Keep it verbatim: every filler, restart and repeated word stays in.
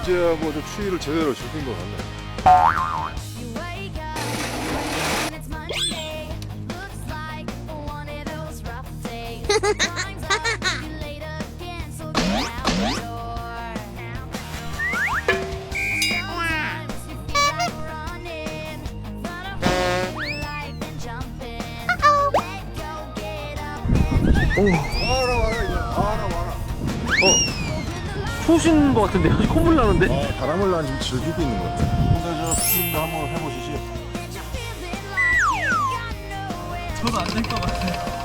이제야 뭐 좀 추위를 제대로 즐긴 것 같네. 오, 와라 와라 이제 와라 와라. 어, 추우신 것 같은데요? 콧물 나는데? 아, 바람을 난 지금 즐기고 있는 것 같아. 근데 저 피디님도 한번 해보시지. 저는 안 될 것 같아요.